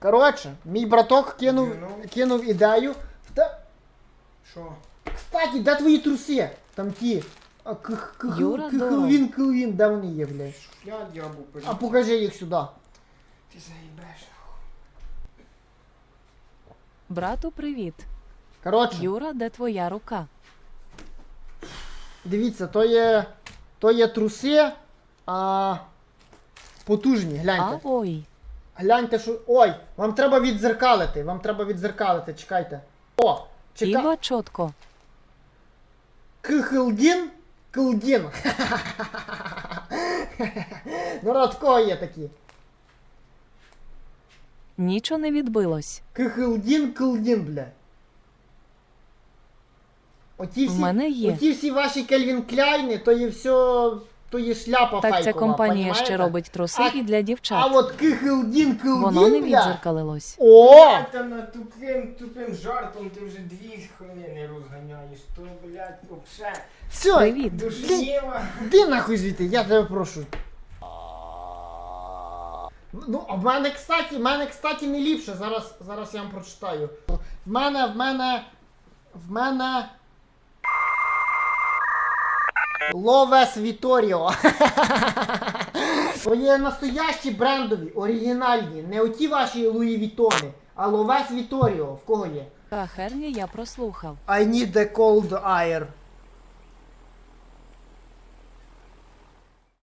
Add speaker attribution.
Speaker 1: Коротше, мій браток
Speaker 2: Ну.
Speaker 1: кинув ідею.
Speaker 2: Що?
Speaker 1: Кстати, де твої труси? Там ті.
Speaker 3: Юра,
Speaker 1: Килвін, де вони є, блядь?
Speaker 2: Я дябу
Speaker 1: А покажи їх сюди.
Speaker 2: Ти заїбеш.
Speaker 3: Брату, привіт.
Speaker 1: Коротше,
Speaker 3: Юра, де твоя рука?
Speaker 1: дивіться, то є труси, потужні, гляньте.
Speaker 3: Ой.
Speaker 1: Гляньте, що... Ой, вам треба відзеркалити, чекайте. О,
Speaker 3: Іва чітко.
Speaker 1: Килдін. Народ, в кого є такі?
Speaker 3: Нічого не відбилось.
Speaker 1: Килдін, бля.
Speaker 3: В мене є.
Speaker 1: Оті всі ваші Кельвін Кляйни, то є все, то є шляпа фейкова,
Speaker 3: Так ця компанія
Speaker 1: понімаєте?
Speaker 3: ще робить труси і для
Speaker 1: А
Speaker 3: дівчат.
Speaker 1: от Килдін,
Speaker 3: Воно не
Speaker 1: бля.
Speaker 3: відзеркалилось.
Speaker 1: О!
Speaker 2: Там над тупим жартом ти вже 2 хвилини розганяєш. То, блядь, вообще
Speaker 1: Все,
Speaker 3: Привіт.
Speaker 2: душніва.
Speaker 1: Іди нахуй звідти, я тебе прошу. Ну, а в мене, кстати, не ліпше. Зараз я вам прочитаю. В мене... Ловес Віторіо. То є настоящі брендові, оригінальні. Не оті ваші Луї Вітони, а Ловес Віторіо. В кого є?
Speaker 3: Та херня я прослухав.
Speaker 1: I need a cold air.